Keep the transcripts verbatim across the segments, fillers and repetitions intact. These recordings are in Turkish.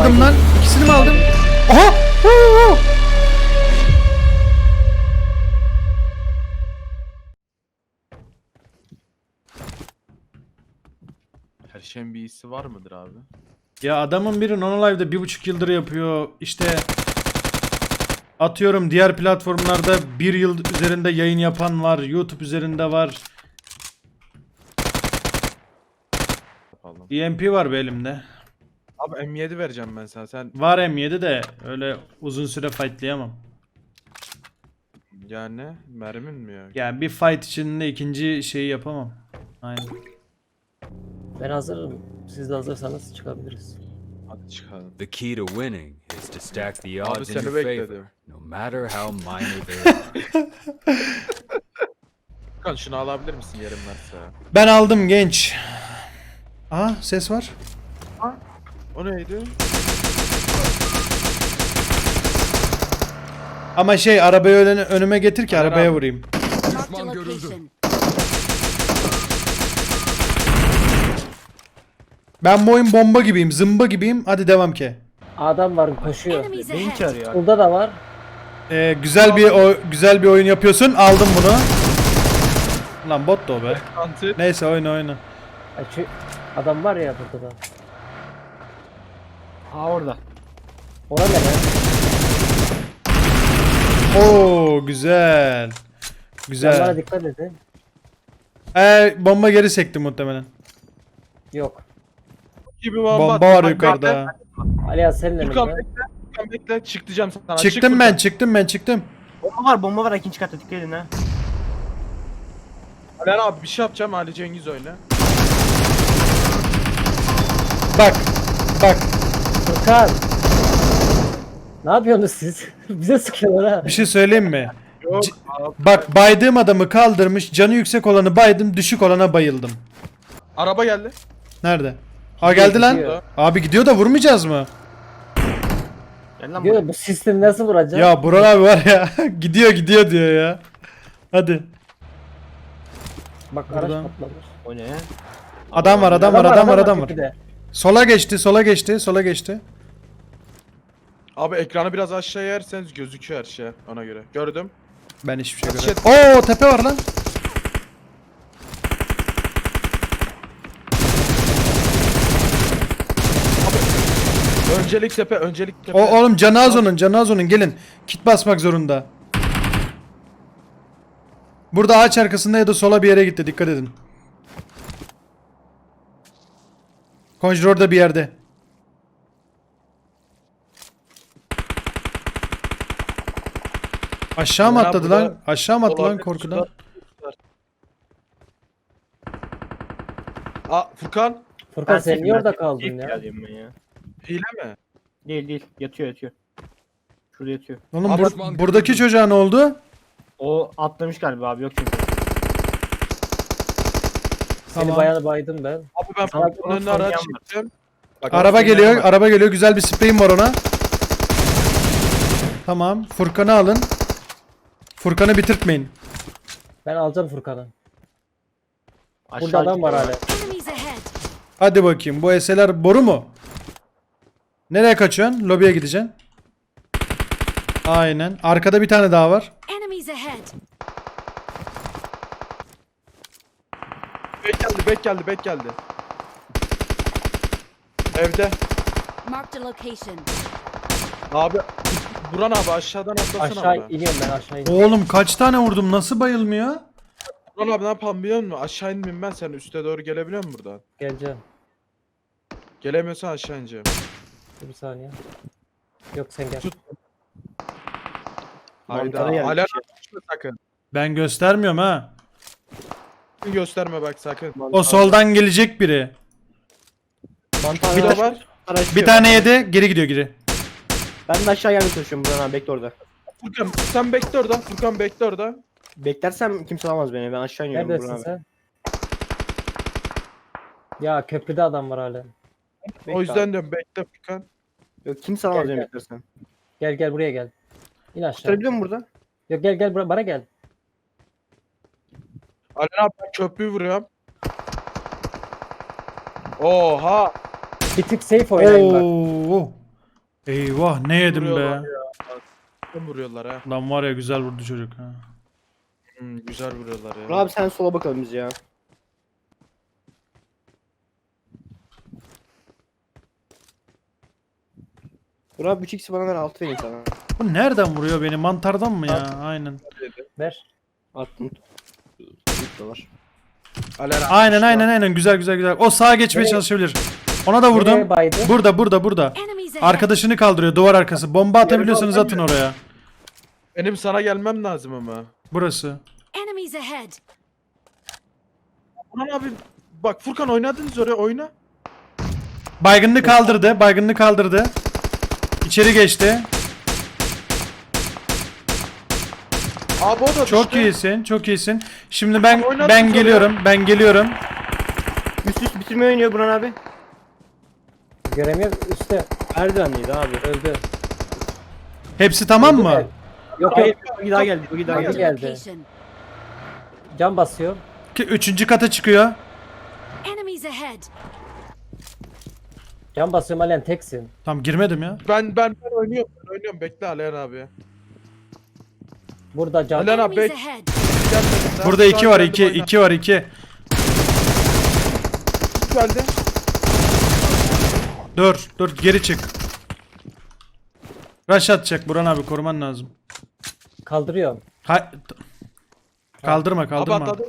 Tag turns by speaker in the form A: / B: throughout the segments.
A: aldım lan? İkisini mi aldım? Aha! Huu!
B: Her şeyin bir iyisi var mıdır abi?
A: Ya adamın biri Nonolive'da bir buçuk yıldır yapıyor. İşte atıyorum diğer platformlarda bir yıl üzerinde yayın yapan var. YouTube üzerinde var.
B: Yapalım.
A: E M P var be elimde.
B: Abi M yedi vereceğim ben sana. Sen
A: Var M yedi de öyle uzun süre fightlayamam.
B: yani mermin mi ya?
A: Yani bir fight içinde ikinci şeyi yapamam. Aynen.
C: Ben hazırım. Siz de hazırsanız çıkabiliriz.
B: Hadi çıkalım.
D: The key to winning is to stack the
B: Abi
D: odds in
B: seni
D: your
B: bekledim.
D: favor, no matter how minor they are.
B: Furkan şunu alabilir misin yerim varsa?
A: Ben aldım genç. Aha ses var.
B: O neydi?
A: Ama şey arabayı öne- önüme getir ki
B: Aynen
A: arabaya
B: abi.
A: vurayım.
E: Marked a location.
A: Ben bu oyun bomba gibiyim, zımba gibiyim. Hadi devam ki.
C: Adam var koşuyor.
E: Enemies
F: Neyin
E: ahead.
F: çağırıyor abi?
C: Burada da var.
A: Ee, güzel bir o güzel bir oyun yapıyorsun. Aldım bunu. Lan bot da o be.
B: Anti.
A: Neyse oyna oyna.
C: Ay, şu adam var ya burada da.
F: Ha orada.
C: Ona ne be?
A: Oo güzel.
C: Yanlara
A: Güzel.
C: dikkat edin.
A: Ee, bomba geri sekti muhtemelen.
C: Yok.
B: Gibi bomba.
A: Bomba var
B: Bak,
A: yukarıda.
C: Alihan senin
B: Furkan
C: elinde.
B: bekle. Furkan bekle. Çık diyeceğim sana.
A: Çıktım
B: Çık
A: ben,
B: Furkan.
A: çıktım ben, çıktım.
F: Bomba var bomba var ikinci katta dikkat edin ha.
B: Alen abi bir şey yapacağım. Ali Cengiz oyna.
A: Bak. Bak.
C: Furkan. Ne yapıyorsunuz siz? Bize sıkıyorlar ha.
A: Bir şey söyleyeyim mi?
B: Yok.
A: C-
B: abi.
A: Bak baydığım adamı kaldırmış. Canı yüksek olanı baydım. Düşük olana bayıldım.
B: Araba geldi.
A: Nerede? Aa geldi lan.
C: gidiyor.
A: Abi gidiyor da vurmayacağız mı?
F: Gel lan buraya.
C: Diyor bu sistemi nasıl vuracak?
A: Ya Burak abi var ya. gidiyor gidiyor diyor ya. Hadi.
C: Bak araç
A: Buradan.
C: patlamış.
F: O ne?
A: Adam var, adam var, adam var, adam var.
C: tepede.
A: Sola geçti, sola geçti, sola geçti.
B: Abi ekranı biraz aşağıya yerseniz gözüküyor her şey ona göre. Gördüm.
A: Ben hiçbir şey
B: Shit.
A: göremiyorum. Oo tepe var lan.
B: Öncelik tepe, öncelik tepe.
A: O oğlum canı az onun, canı az onun. Gelin. Kit basmak zorunda. Burada ağaç arkasında ya da sola bir yere gitti. Dikkat edin. Conjure orada bir yerde. Aşağı mı
B: Ömer abi
A: atladı
B: burada
A: lan? Aşağı mı attı lan
B: olabilir,
A: korkudan?
B: şurada. Aa Furkan.
C: Furkan sen niye orada
F: safe
C: kaldın ya?
F: geldim ben ya.
B: Hile mi?
F: Değil değil yatıyor yatıyor. Şurada yatıyor.
A: Oğlum
B: Abi,
A: bur- buradaki çocuğa ne oldu?
F: O atlamış galiba abi yok çünkü.
C: Seni
A: Tamam.
C: bayağı baydım ben.
B: Abi ben
F: Sana
B: Furkan'ın önüne
F: bir
B: araç
F: soracağım var.
B: çektim. Bak,
A: Araba
B: Furkan'ın
A: geliyor,
B: önüne bak.
A: araba geliyor. Güzel bir spreyim var ona. Tamam. Furkan'ı alın. Furkan'ı bitirtmeyin.
C: Ben alacağım Furkan'ı.
F: Aşağı
C: Burada adam var
F: gidiyor.
C: hala.
E: Enemies ahead.
A: Hadi bakayım. Bu S L'ler boru mu? Nereye kaçıyorsun? Lobiye gideceksin. Aynen. Arkada bir tane daha var.
E: Enemies ahead.
B: Bek geldi, bek geldi, bek geldi. Evde.
E: Marked a location.
B: Abi Buran abi aşağıdan atlasana
C: Aşağı
B: bana.
C: iniyorum ben aşağı iniyorum.
A: Oğlum kaç tane vurdum? Nasıl bayılmıyor?
B: Buran abi ne yapalım biliyor musun? Aşağı inmeyeyim ben, sen üste doğru gelebiliyor musun buradan?
C: Geleceğim.
B: Gelemiyorsan aşağı ineceğim.
C: Dur bir saniye. Yok sen gel.
B: Tut.
F: Mantarı
B: Hayda.
F: yermiş
B: Hala
F: ya.
B: açma sakın.
A: Ben göstermiyorum ha.
B: Gösterme bak sakın.
A: O soldan gelecek biri.
F: Mantar
B: Bir de
F: var.
B: var.
A: Bir tane yedi. Geri gidiyor geri.
F: Ben de aşağı gelmeye çalışıyorum buradan abi bekle orada.
B: Furkan sen bekle orada. Furkan bekle orada.
F: Beklersem kimse alamaz beni ben aşağı iniyorum
C: Neredesin
F: buradan abi.
C: sen? Ya köprüde adam var hala.
F: Bekle
B: O yüzden
F: abi.
B: diyorum bekle Furkan.
F: Yok kimse alamaz
C: Gel,
F: beni
C: gel.
F: beklersen.
C: Gel gel buraya gel. İn aşağı.
F: Tutabiliyor musun burada?
C: Yok gel gel bura- bana gel.
B: Alen abi ben köprüyü vuruyorum. Oha.
C: Bir tık safe oynayayım bak.
A: Oo. Eyvah ne yedim
B: Vuruyorlar
A: be.
B: ya. Kim vuruyorlar ha?
A: Lan var ya güzel vurdu çocuk ha.
B: Hmm, güzel vuruyorlar
F: Burak
B: ya.
F: abi sen sola bakalım biz ya. Burak abi üç x bana ver altı vereyim sana.
A: Bu nereden vuruyor beni? Mantardan mı ya? Aynen.
C: Ver.
F: Attım. üç dolar.
B: Aleren
A: Aynen aynen aynen güzel güzel güzel. O sağa geçmeye
C: Nereye-
A: çalışabilir. Ona da
C: Nereye
A: vurdum.
C: baydı?
A: Burada burada burada.
E: Enemies ahead.
A: Arkadaşını kaldırıyor duvar arkası. Bomba atabiliyorsanız atın oraya.
B: Benim sana gelmem lazım ama.
A: Burası.
E: Enemies ahead.
B: Burhan abi bak Furkan oynadınız oraya oyna.
A: Baygınını kaldırdı. Baygınını kaldırdı. İçeri geçti.
B: Abi o da
A: Çok
B: düştü.
A: iyisin. Çok iyisin. Şimdi ben
B: Oynadınız
A: ben
B: oraya.
A: geliyorum. Ben geliyorum.
F: Üst üst bitirme oynuyor Burak abi.
C: Göremiyorum üstte.
F: Merdivenliydi abi.
C: Öldü.
A: Hepsi tamam mı?
C: Yok yok.
F: Hayır, bir daha geldi. Bir daha
E: Marked
F: geldi.
E: a
C: geldi.
E: location.
C: Can basıyor.
A: Ki üçüncü kata çıkıyor.
E: Enemies ahead.
C: Can basıyorum Alen teksin.
A: Tamam girmedim ya.
B: Ben ben ben oynuyorum. Ben oynuyorum. Bekle Aleren abi.
C: Burada can.
B: Alen abi
E: Enemies
B: bek.
E: ahead.
B: Gelmedin daha.
A: Burada
B: Şu
A: iki
B: an
A: var.
B: geldim,
A: iki
B: oyna.
A: iki var. iki.
B: Geldi.
A: Dur. Dur geri çık. Rush atacak. Burhan abi koruman lazım.
C: Kaldırıyorum.
A: Ha t- kaldırma
B: Abi
A: kaldırma.
B: atladım.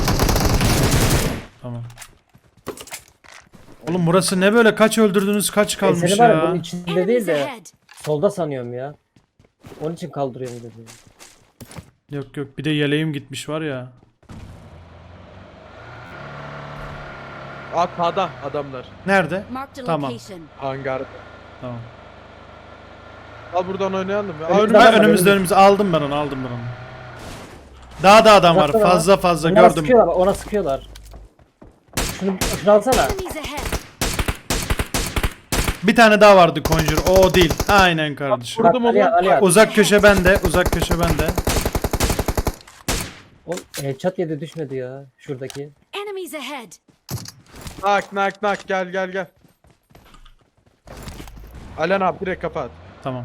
A: Tamam. Oğlum burası ne böyle? Kaç öldürdünüz? Kaç
C: E,
A: kalmış
C: seni var ya bunun
A: ya?
C: içinde değil
E: Enemies
C: de
E: ahead.
C: solda sanıyorum ya. Onun için kaldırıyorum dedi.
A: Yok yok bir de yeleğim gitmiş var ya.
B: At sağda adamlar.
A: Nerede?
E: Marked a
A: Tamam.
E: location.
B: Hangarda.
A: Tamam.
B: Al buradan oynayalım ya. Aa,
C: Önümüzde
B: önümüzde.
C: var.
A: Ben önümüzde önümüzde aldım ben onu aldım ben onu. Daha da adam var.
C: Uzakta da var.
A: Fazla fazla
C: Ona
A: gördüm.
C: sıkıyorlar, ona sıkıyorlar. Şunu, şunu alsana.
E: Enemies ahead.
A: Bir tane daha vardı Conjure. O, o değil. Aynen kardeşim.
C: Bak,
B: Vurdum
C: Ali,
B: onu.
C: Ali, Ali.
A: Uzak köşe bende. Uzak köşe bende.
C: O headshot yedi düşmedi ya şuradaki.
E: Enemies ahead.
B: Nak nak nak gel gel gel. Alen abi direkt kapat.
A: Tamam.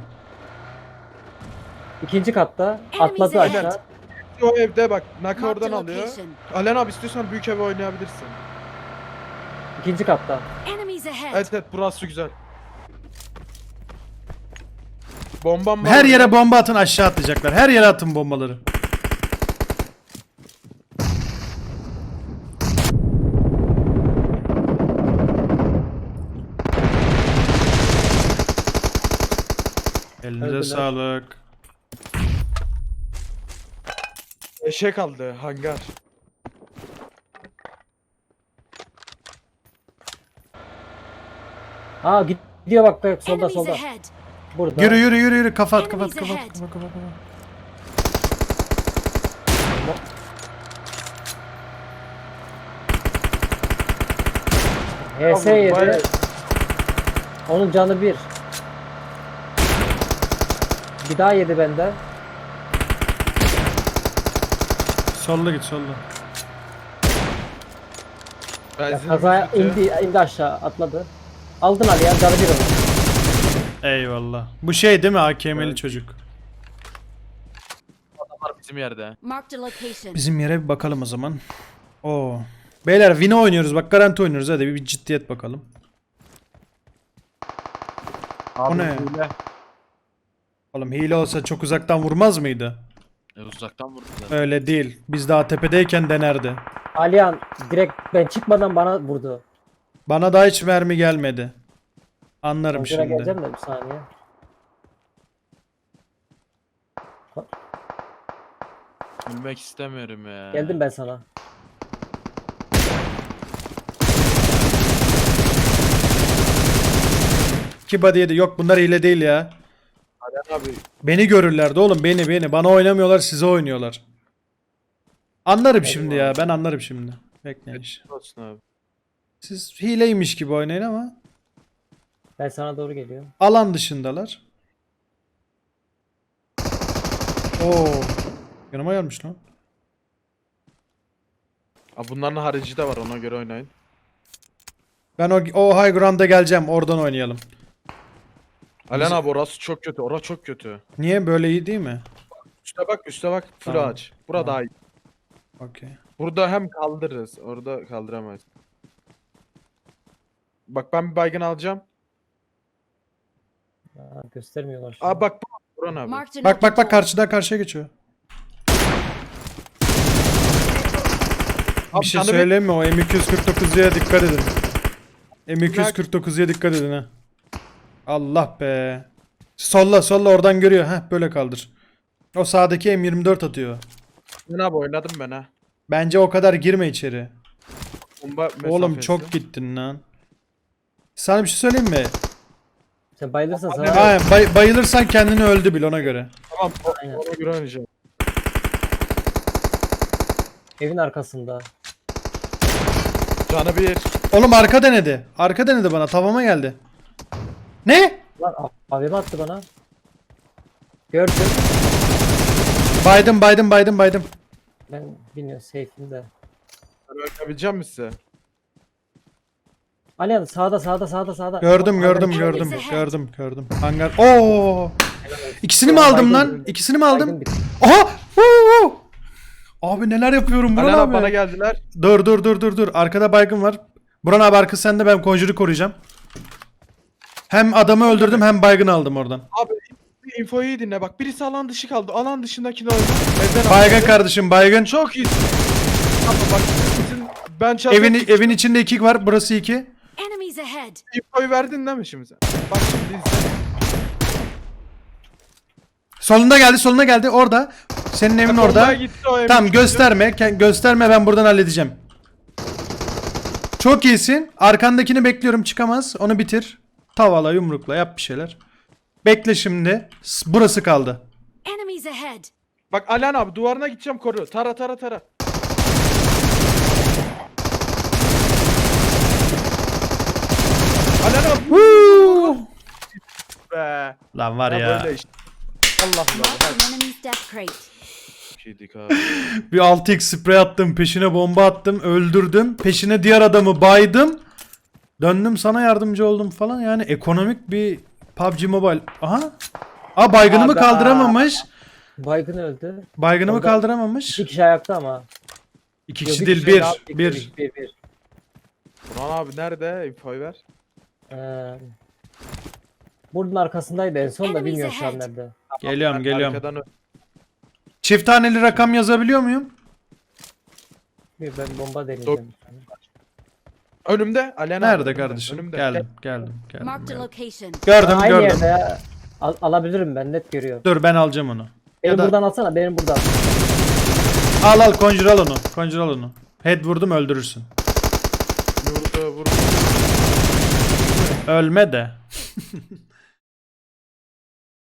C: İkinci katta
E: Enemies
C: atladı
E: ahead.
C: aşağı.
B: O evde bak nak
E: Marked
B: oradan
E: a
B: alıyor.
E: location.
B: Alen abi istiyorsan büyük eve oynayabilirsin.
C: İkinci katta.
E: Enemies ahead.
B: Evet evet burası güzel. Bombam var.
A: Her yere bomba atın aşağı atlayacaklar. Her yere atın bombaları. Elinize
C: Öldüler.
A: sağlık.
B: Eşek aldı hangar.
C: Aa gidiyor bak bak solda
E: Enemies
C: solda.
E: ahead.
C: Burada.
A: Yürü yürü yürü yürü kapat kapat
E: Enemies
A: kapat
E: ahead.
A: kapat kapat. kapat.
C: H S
B: Bayağı-
C: yedi. Onun canı bir. Bir daha yedi benden.
A: Solla git solla.
C: Ya
B: Benzin
C: kazaya indi, indi aşağı atladı. Aldın Ali ya canı bir onun.
A: Eyvallah. Bu şey değil mi A K M'li çocuk?
B: var bizim yerde.
E: Marked a location.
A: Bizim yere bir bakalım o zaman. Oo. Beyler Vino oynuyoruz bak garanti oynuyoruz hadi bir, bir ciddiyet bakalım.
B: Abi,
A: O ne?
B: hile.
A: Oğlum hile olsa çok uzaktan vurmaz mıydı?
B: E, uzaktan vurdu
A: Öyle değil. Biz daha tepedeyken denerdi.
C: Alihan direkt ben çıkmadan bana vurdu.
A: Bana da hiç mermi gelmedi. Anlarım
C: Kontrola
A: şimdi.
C: geleceğim de bir saniye.
B: Bilmek istemiyorum ya.
C: Geldim ben sana.
A: İki body yedi. Yok bunlar hile değil ya.
B: Alen abi.
A: Beni görürlerdi oğlum beni beni. Bana oynamıyorlar size oynuyorlar. Anlarım şimdi ya. Ben anlarım şimdi. Bekleyin. iş.
B: Olsun abi.
A: Siz hileymiş gibi oynayın ama
C: Ben sana doğru geliyorum.
A: alan dışındalar. Oo. Yanıma gelmiş lan.
B: Abi bunların harici de var ona göre oynayın.
A: Ben o, o high ground'a geleceğim. Oradan oynayalım.
B: Alen abi orası çok kötü. Orası çok kötü.
A: Niye böyle iyi değil mi?
B: Üste bak üste bak. Full
A: Tamam.
B: ağaç. Burada
A: Tamam.
B: daha iyi.
A: Okey.
B: Burada hem kaldırırız. Orada kaldıramayız. Bak ben bir baygın alacağım.
C: Aa, göstermiyorlar şu
B: Aa
C: an.
B: bak bu. Buran abi.
E: Marked an
A: Bak
E: open
A: bak bak
E: door.
A: karşıdan karşıya geçiyor.
B: Abi
A: Bir şey
B: sana bir-
A: söyleyeyim mi? O M iki yüz kırk dokuzuya dikkat edin. M iki yüz kırk dokuzuya dikkat edin ha. Allah be. Solla solla oradan görüyor. Heh böyle kaldır. O sağdaki M yirmi dört atıyor.
B: Ben abi oynadım ben ha.
A: Bence o kadar girme içeri.
B: Bomba
A: Oğlum
B: mesafesi.
A: çok gittin lan. Sana bir şey söyleyeyim mi?
C: Sen bayılırsan sana...
A: Aynen, bay- bayılırsan kendini öldü bil ona göre.
B: Tamam o-
C: Aynen.
B: ona göre oynayacağım.
C: Evin arkasında.
B: Canı bir.
A: Oğlum arka denedi. Arka denedi bana. Tavama geldi. Ne?
C: Lan a- A V M attı bana. Gördüm.
A: Baydım baydım baydım baydım.
C: Ben bilmiyorum safe'im de.
B: Ben oynayabileceğim mi size?
C: Alihan sağda sağda sağda sağda.
A: Gördüm
C: Bak,
A: gördüm
C: hangar-
A: gördüm
E: Enemies ahead.
A: gördüm gördüm. Hangar. Oo! İkisini mi aldım lan? İkisini mi aldım?
C: Baygın bir-
A: Aha! Huu! Abi neler yapıyorum Buran
B: Alen abi
A: abi.
B: bana geldiler.
A: Dur dur dur dur dur. Arkada baygın var. Buran abi arka sende, ben Conjure'u koruyacağım. Hem adamı öldürdüm hem baygın aldım oradan.
B: Abi infoyu iyi dinle. Bak birisi alan dışı kaldı. Alan dışındakini öldü. Evden
A: Baygın
B: aldı.
A: kardeşim baygın.
B: Çok iyi. Tamam bak. Bizim, ben çatıya
A: Evin evin içinde iki var. Burası iki.
E: Enemies ahead.
B: infoyu verdin değil mi şimdi sen? Bak şimdi izle.
A: Solunda geldi, soluna geldi. Orada. Senin evin
B: Bombaya
A: orada.
B: gitti o evin
A: Tamam
B: içinde.
A: gösterme. Ke- Gösterme, ben buradan halledeceğim. Çok iyisin. Arkandakini bekliyorum, çıkamaz. Onu bitir. Tavala, yumrukla yap bir şeyler. Bekle şimdi. S- Burası kaldı.
E: Enemies ahead.
B: Bak Alen abi duvarına gideceğim koru. Tara tara tara. Alen abi
A: Huu!
B: be.
A: Lan var
B: Ya
A: ya.
B: böyle işte. Allah Allah.
E: Marked an enemy's death crate.
B: Şeydik abi.
A: Bir altı x sprey attım. Peşine bomba attım. Öldürdüm. Peşine diğer adamı baydım. Döndüm sana yardımcı oldum falan. Yani ekonomik bir P U B G Mobile. Aha. Aa baygınımı
C: Aga.
A: kaldıramamış.
C: Baygın öldü.
A: Baygınımı
C: Orada-
A: kaldıramamış.
C: İki kişi ayakta ama.
A: İki
C: Yok,
A: kişi
C: bir
A: değil,
C: kişi
A: bir.
C: daha-
A: Bir.
C: bir, bir, bir.
B: Burhan abi nerede? İnfoyu ver.
C: Ee, Bunun arkasındaydı en son da
E: Enemies
C: bilmiyorum şu an
E: ahead.
C: nerede.
A: Geliyorum
B: Ben
A: geliyorum.
B: arkadan ö-
A: Çift taneli rakam yazabiliyor muyum?
C: Bir ben bomba deneyeceğim.
B: Önümde. Alen abi.
A: Nerede
B: önümde,
A: kardeşim?
B: önümde.
A: Geldim, geldim, geldim.
E: Marked a
A: geldim.
E: location.
A: Gördüm,
C: Aynı
A: gördüm.
C: yerde ya. Al- alabilirim ben net görüyorum.
A: Dur ben alacağım onu.
C: Beni
A: da-
C: buradan alsana benim buradan.
A: Al al Conjure al onu. Conjure al onu. Head vurdum öldürürsün.
B: Vurdu vurdu.
A: Ölme de.